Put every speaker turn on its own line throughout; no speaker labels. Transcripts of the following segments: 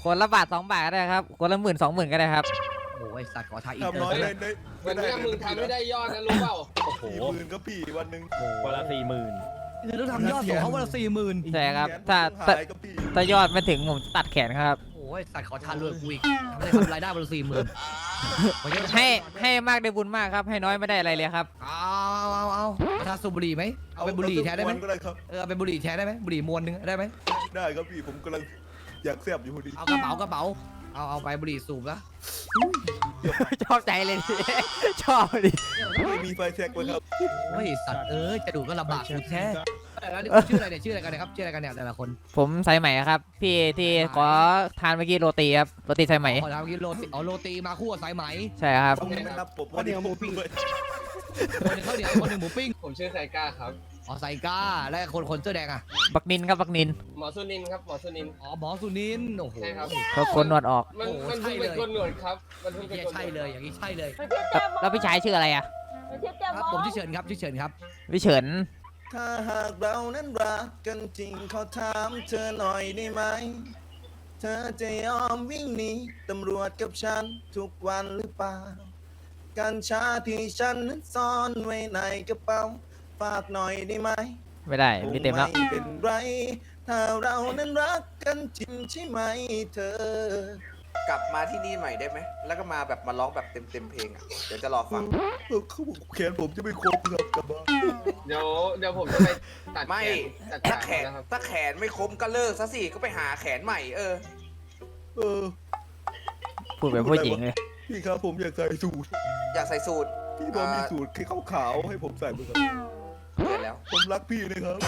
คนละบาท2 บาทก็ได้ครับคนละ10,000 20,000ก็ได้ครับ
โอ้ยสัตว์ขอทายอินเตอ
ทำน้อย
ร์
เลย
วันนี้มึงทำไม่ได้ยอดนะรู้เปล่า
โอ้โห40,000ก็พี่วันหนึ่ง
คนละ40,000
คือต้องทำยอดส่งเขาวันละ40,000
ใช่ครับถ้ายอดไม่ถึงผมตัดแขนครับ
โอ้ยสัตว์ขอทานรวยกูอีกไม่ได้ทำรายได้วันละ40,000
ให้มากได้บุญมากครับให้น้อยไม่ได้อะไรเลยครับ
เอาประทานสูบบุหรี่ไหมเอาเป็นบุหรี่แทนได้ไหมเอาเป็นบุหรี่แทนได้ไหมบุหรี่มวนนึงได้ไหม
ได้ครับพี่ผมกำลังอยากแซบอยู่พอดี
เอากระเป๋าเอาไปบุหรี่สูบนะ
ชอบใจเลยดิชอบดิ
ไม่มีไฟแท็กเลยครับ
โอ้ยสัตว์จะดูก็ลำบากกูแท้แล้วนี่ชื่ออะไรเนี่ยชื่ออะไรกันนะครับชื่ออะไรกันเนี่ยแต่ละคน
ผมสายใหม่ครับพี่ที่ขอทานเมื่อกี้โรตีครับโรตีสายใหม่
ขอทานเมื่อกี้โรตีมาคู่กับสายไหม
ใช่ครับ
นะครับผมวันนี้หมูปิ้งเลย
คนนึงข้าวเหนียวคนนึงหมูปิ้ง
ผมชื่อไซก้าครับ
อ๋อไซก้าและคนเสื้อแดงอ่ะ
บักนินครับบักนิน
หมอสุนินครับหมอสุนิน
อ๋อหมอสุนินโอ้โห
ใช่ครับ
เขาโกนหนวดออก
มันเพิ่งเป็นคนหนวดครับมันเพิ่งเป็นคน
ใช่เลยอย่างนี้ใช่เลย
แล้วพี่ชายชื่ออะไรอ่ะ
ครับผมชื่อเฉินครับชื่อเฉินครับ
พี่เฉิน
ถ้าหากเรานั้นรักกันจริงขอถามเธอหน่อยได้ไหมเธอจะยอมวิ่งหนีตำรวจกับฉันทุกวันหรือเปล่ากัญชาที่ฉันนั้นซ่อนไว้ในกระเป๋าฝากหน่อยได้ไหม
ไม่ได้มีเต็มแล้ว
ไม่เป็นไรถ้าเรานั้นรักกันจริงใช่ไหมเธอก
ลับมาที่นี่ใหม่ได้ไหมแล้วก็มาแบบมาร้องแบบเต็มเพลงอ่ะเดี๋ยวจะรอฟัง
เขาบอกแขนผมจะไม่ครบครับกลับบ้าน
เดี๋ยวผมจะไปตัด
ไม่ถ้าแขนไม่คมก็เลิกซะสิก็ไปหาแขนใหม่
พูดแบบผู้หญิงเลย
พี่ครับผมอยากใส่สูท
อยากใส่สูท
พี่พอมีสูทขาวๆให้ผมใส่ไหมครับ
เกิดแล้ว
ผมรักพี่นะครับ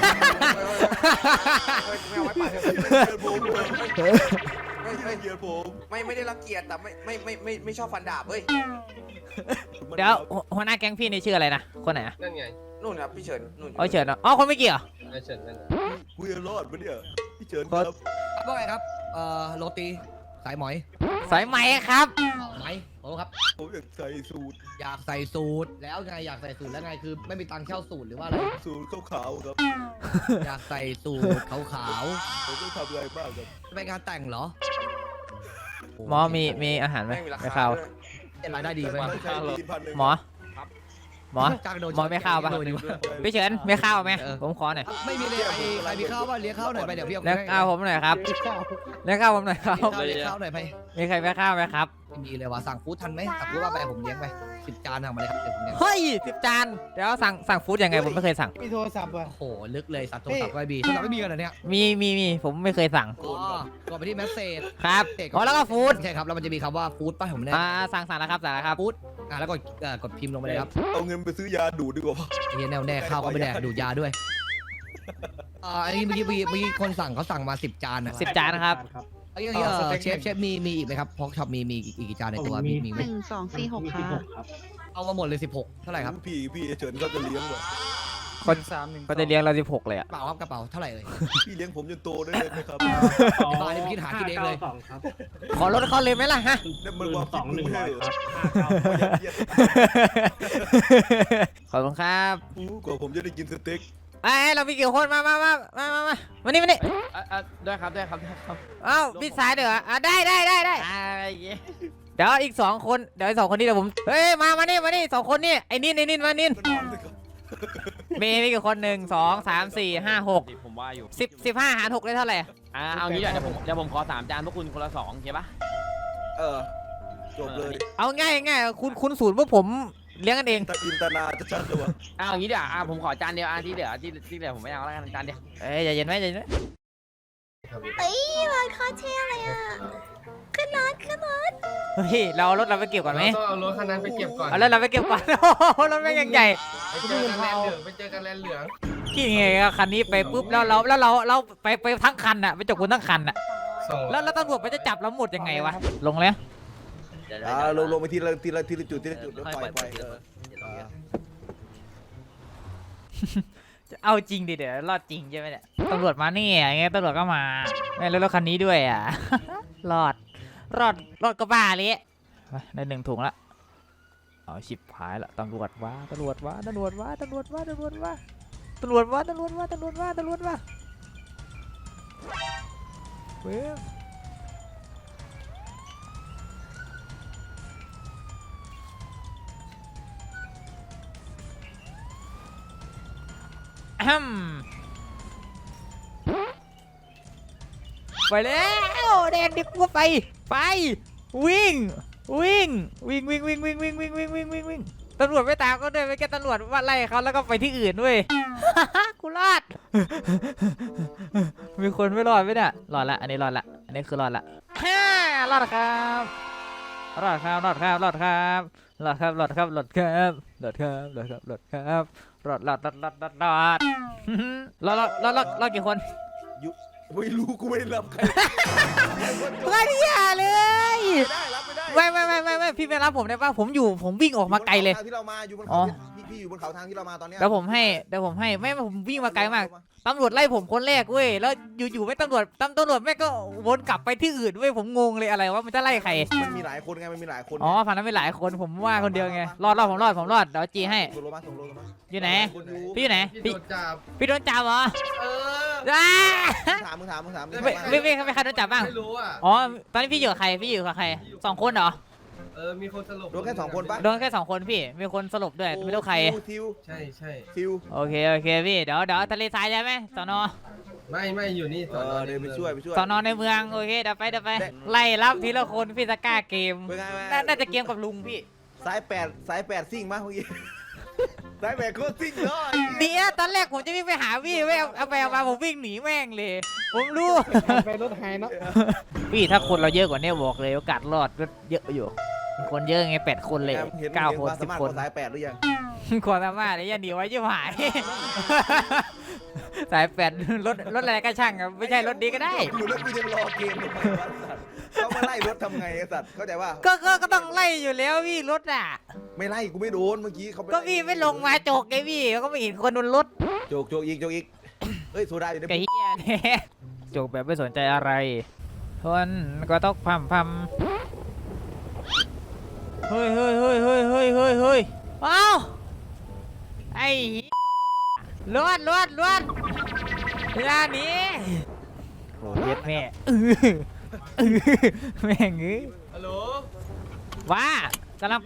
ไม่เอาไว้ปาก
ผมเกียรผม
ไม่ได้รังเกียจแต่ไม่ชอบฟันดาบเฮ้ย
เดี๋ยวหัวหน้าแก๊งพี่นี่ชื่ออะไรนะคนไหน
นั่นไง
นู่นครับพี่เฉินนู่น
อ๋อเฉินอ๋อคนไม่เกี่ยว
เฉินนั่น
คุยรอดปะเนี่ยพี่เฉินครับ
ว่าไงครับโรตีสายไหม
สายไหมครับ
ไหมโอ้ครับ
ผมอยากใส่สูท
อยากใส่สูทแล้วไงอยากใส่สูทแล้วไงคือไม่มีตังค์เช่าสูทหรือว่าอะไร
สูทขาวๆครับ
อยากใส่สูทขาว
ผมต้องทำอะไรบ้างครับ
ไปงานแต่งเหรอ
หมอมีอาหารไหมไม่ข้าว
รายได้ดีไหม
หมอไม่ข้าวป่ะพี่เฉินไม่ข้าวไหมผมขอหน่อย
ไม่มีเลยใครมีข้าวป่ะเลี้ยงข้าวหน่อยไปเดี๋ยวพี่
เลี้ยงข้าวผมหน่อยครับเลี้ยงข้าวผมหน่อยครับ
เลี้ยงข้าวหน่อยไป
มีใครไม่ข้าวไหมครับ
มีเลยว่ะสั่งฟู้ดทันไหมสั่งฟู้ดว่าไปผมเลี้ยงไป10 จานทำมาเลยครับเดี๋ยวผมเลี้ยง
เฮ้ย10 จานเดี๋ยวสั่งฟู้ดยังไงผมไม่เคยสั่ง
มีโทรศัพท์อ่ะ
โอ้โหลึกเลยสั่งโทรศัพท์ไม่มีโทรศัพท์ไม่มีกันเหรอเนี่ย
มีผมไม่เคยสั่ง
กดไปที่แมสเซจ
ครับแล้วก็ฟู้ด
ใช่ครับแล้วมันจะมีคำว่าฟู้ดป่ะผมเนี่ย
สั่งแล้วครับ
ฟู้ดแล้วกดพิมพ์ลงไปเลยครับ
เอาเงินไปซื้อยาดูดดีกว่า
เฮียแน่ข้าวก็ไม่แดกดูดยาด้วยอันนี้เมื่อกี้คนสั่งเขาสั่งมา10 จานนะ
10 จานนะครับ
เชฟมีอีกไหมครับพอกช็อปมีอีกกี่จานในตัวมีไหม
1 2 4 6ค่ะ
เอามาหมดเลย16เท่าไหร่ครับ
พี่เฉินก็จะเลี้ยงว่ะ
คนก็จะเลี้ยงเรา16เลยอ่ะ
เปล่าครับกระเป๋าเท่าไหร่เลย
พี่เลี้ยงผมจนโตได้เลยไหมครับ
บ้านนี้คิดหาคิดเองเลย
ขอลดเขาเลยไหมล่ะฮะ
เนี่ยมันว่า2 1ครับ
ขอบคุณครับ
กว่าผมจะได้กินสเต็ก
เรามีกี่คนมาวันนี้
ได้ครับ
เอ้าพี่สายเดี๋ยวได้เดี๋ยวอีก2 คนเดี๋ยว2 คนนี้เดี๋ยวผมเฮ้ยมานี่2 คนนี่ไอ้นินมานินมีกี่คน1 2 3 4 5 6
ผมว่าอยู่
15 หาร 6ได้เท่าไหร่
เอางี้เดี๋ยวผมขอ3 จานพวกคุณคนละ2โอเคปะ
จบเลย
เอาง่ายคุณสูตรพวกผมเลี้ยงกันเอง
ตาอินตนาจะชัดเลยวะ
เอางี้เดี๋ยวผมขอจานเดียวที่เหลือผมไม่เอาแล้วกันจานเดียว
ใจเย็นไหม
รถเขาเท่อะไรอ่ะขึ้นรถ
เฮ้ยเรารถเราไปเก็บก่อนไหม
เอารถคันนั้นไปเก็บก่อน
เอารถเราไปเก็บก่อนรถแม่งยังใหญ่
ไปเจอกันแลนเหลือง
กี่ไงคันนี้ไปปุ๊บแล้วเราไปทั้งคันอ่ะไปจับคุณทั้งคันอ่ะแล้วตำรวจไปจะจับเราหมดยังไงวะลงเลย
ลงไปทีละจุดแล้วปล่อยไป
เอาจริงดิเดี๋ยวรอดจริงใช่ไหมเนี่ยตำรวจมานี่ไงตำรวจก็มาไม่แล้วรถคันนี้ด้วยอ่ะรอดก็บ้าเลยได้1 ถุงละเอาชิบหายละตำรวจว่าเว้ยไปแล้วแดนดิบกูไปวิ่งตำรวจไม่ตามก็เดินไปแค่ตำรวจว่าไล่เขาแล้วก็ไปที่อื่นด้วย กูรอด มีคนไม่รอดไหมเนี่ยรอดละอันนี้รอดละอันนี้คือรอดละรอดครับรอดครับรอดครับรอดครับรอดครับรอดครับรอดครับรอดครับรอดครับรอดครับรอดรอดกี่คน
ไม่รู้กูไม่ได้รับใคร
เพื่อนอย่าเลย
ได้รับไม่ได้
ไม่พี่ไม่รับผมได้ป่ะผมวิ่งออกมาไกลเลย
ทางที่เรามาอยู่บน
อ๋
เขา
อ
พี่อยู่บนเขาทางที่เรามาตอนเนี้ย
เดี๋ยวผมให้ไม่ผมวิ่งมาไกลมากตำรวจไล่ผมคนแรกเว้ยแล้วอยู่ไม่ตำรวจแม่งก็วนกลับไปที่อื่นเว้ยผมงงเลยอะไรวะมันจะไล่ใคร
มันมีหลายคนไงมันมีหลายคน
อ๋อฝั่งนั้นไม่หลายคนผมว่าคนเดียวไงรอดผมรอดเดี๋ยวจีให้
ส่งโลมา
อยู่ไหน
คนอยู่
พี่อยู่ไหน
พี่โดนจับ
พี่โดนจับเหรอ
เออ
อ้า
มึงถาม
ไม่ใครโดนจับบ้าง
ไม่รู้อ่ะ
อ๋อตอนนี้พี่อยู่กับใคร2 คนเหรอ
มีคนสลบ
โดนแค่2 คนปะ
โดนแค่2 คนพี่มีคนสลบด้วยไม่รู้ใคร
ทิว
ใช่
ทิว
โอเคพี่เดี๋ยวทะเลทรายใช่ไหมสน
ไม่อยู่นี่
เดินไปช่วย
สอนในเมืองโอเคเดี๋ยวไปไล่รับทีละคนพี่ตะกร้าเกม
เป็นไง
น่าจะเกมกับลุงพี่
สาย8ซิ่งมั้ยเมื่อกี้สาย8โคตรซิ่งเลย
เดี๋ยวตอนแรกผมจะวิ่งไปหาพี่ไม่เอาไปมาผมวิ่งหนีแม่งเลยผมรู้
ไปรถไฮเนาะ
พี่ถ้าคนเราเยอะกว่านี้บอกเลยโอกาสรอดก็เยอะอยู่คนเยอะไง8 คนเลย9 คน10 คน
สาย8หรือยัง
ความสามารถเนี่ยอย่าหนีไว้ยิ่งหาย สาย8รถอะไรก็ช่างอะไม่ใช่รถดีก็ได้
อยู่แล้วกูยังรอเกมทำไมวะสัตว์เขามาไล่รถทำไงไอ้สัตว์เข้าใจว่า
ก็ต้องไล่อยู่แล้วพี่รถอ่ะ
ไม่ไล่กูไม่โดนเมื่อกี้เขา
ก็พี่ไม่ลงมาโจกไงพี่ก็ไม่เห็นคนบนรถ
โจกอีกเฮ้ยโซดาอยู่ใน
ไอ้เหี้ยเนี่ยโจกแบบไม่สนใจอะไรคนก็ต้องพัมเฮ้ยอ้าวไอ้เหี้ยรถเวลานี้โอ้เย็ดแม่แม่งเอ้ย
ฮัลโหล
ว่ากำลังไป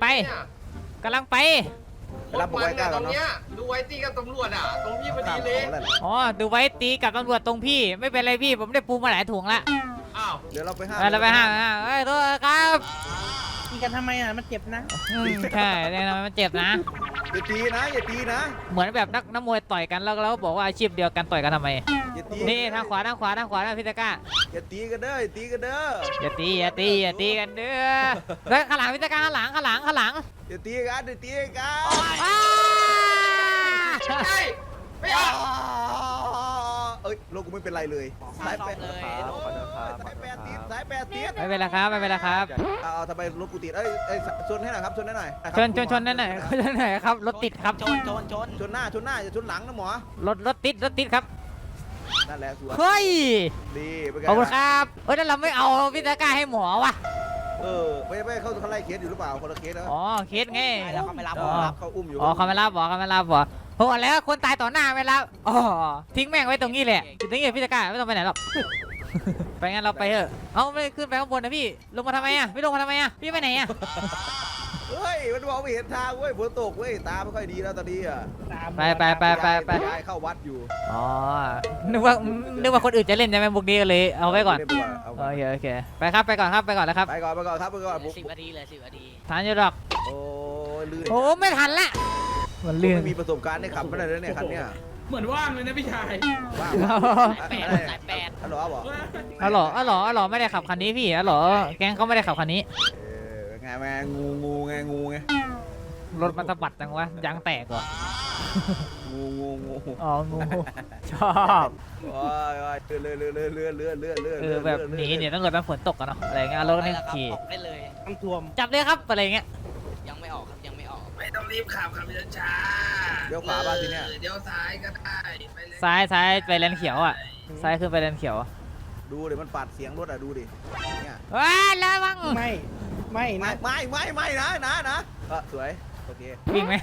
รับบอกไว้ก้า
ต
ก่
ร
อน
ง
เนาะ
เนี้ยดูไว้ตีกับตำรวจอ่ะตรงพี่พอดีเลย
อ๋อดูไว้ตีกับตำรวจตรงพี่ไม่เป็นไรพี่ผมได้ปูมาหลายถุงละ
อ้าว
เดี๋ยวเราไปห้าม
เราไปห้างเฮ้ยโทษครับ
กินกันทำไมอ่ะ มันเจ็บนะ
ใช่เนี่ยนะมันเจ็บนะ
อย่าตีนะ
เหมือนแบบนักมวยต่อยกันแล้วเราก็บอกว่าอาชีพเดียวกันต่อยกันทำไม
อย่าตี
นี่ทางขวานะพี่ตะกร้า
อย่าตีกันเด้อ
อย่าตีกันเด้อแล้วข้างหลังพี่ตะกร้าข้างหลัง
อย่าตีกัน
อ้า
ใช่ไม่ออก
เอ้ยโลกกูไม่เป็นไรเลยสายแปดสายแปดติด
ไม่เป็นไรครับ
เอาทำไมรถกูติดเอ้ยชนให้หน่อยครับชนนั่นหน่อย
ชนนั่นหน่อยครับรถติดครับ
ชนหน้าอย่าชนหลังนะหมอ
รถติดครับ
นั่นแหละสวย
เฮ้ย
ดีเป็นไง
ขอบคุณครับนั่นเราไม่เอาพี่ตะกร้าให้หมอวะ
ไม่เขาไล่เคสอยู่หรือเปล่าคนละเคสนะ
อ๋อเคสไง
แล้วเขาไม่รับ
เขาอุ้มอยู่
อ๋อเขาไม่รับโอ้แล้วคนตายต่อหน้าไม่รับอ๋อทิ้งแม่งไว้ตรงนี้แหละอยู่ตรงนี้พี่ตะกร้าไม่ต้องไปไหนหรอก ไปงั้นเราไปเถอะเอาไม่ขึ้นไปข้างบนนะพี่ลงมาทำไมอ่ะพี่ลงมาทำไมอ่ะพี่ไปไหนอ่ะ
เฮ้ยมันมองไม่เห็นทางเว้ยฝนตกเว้ยตาไม่ค่อยดีแล้วตอนนี้อ่ะ
ไป
ยายเข้าวัดอยู่
อ๋อนึกว่าคนอื่นจะเล่นใช่ไหมบุกนี้ก็เลยเอาไว้ก่อนโอเคไปครับไปก่อนแล้วครับ
ไปก่อนผม
10 นาทีเลย10 นาที
ทานอยู่หรอก
โอ้ลื่น
โอ้ไม่ทันละมันลื่น
ไม่มีประสบการณ์ได้ขับไม่ได้เลยเนี่ยคันเนี้ย
เหมือนว่างเลยนะพี่ชาย
ว้าว
สายแปด
ฮัลโหลบอก
อ๋อเหรอไม่ได้ขับคันนี้พี่อ๋อเหรอแก๊งเขาไม่ได้ขับคันนี้
ไงแม่งูไง
รถมันสะบัดจังวะยางแตกเหรอ
งู
อ๋องูชอบ
โอ้ยเรือ
แบบหนีเนี่ยต้องเกิดเป็นฝนตกกันเนาะอะไรเงี้ยรถนี่ขี่
ได้เลยน้ำท่วม
จับเลยครับอะไรเงี้ย
ยังไม่ออกครับ ยังไม่ออก
ไม่ต้องรีบขับช้า
เดี๋ยวขวาบ้านทีเนี้ย
เดี๋ยวซ้ายก็ได้ไปเลย
ซ้ายไปเลนเขียวอ่ะซ้ายขึ้นไปเลนเขียว
ดูดิมันปาดเสียงรถอ่ะดูดิเนี่ย
ว้าระวัง
ไม่นะ
ไม่นะสวยโอเค
วิ่งไหม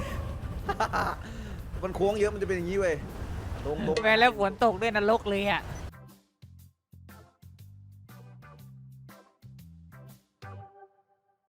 มันโค้งเยอะมันจะเป็นอย่างนี้เว้ยตรง
แม่แล้วฝนตกด้วยนรกเลยอ่ะ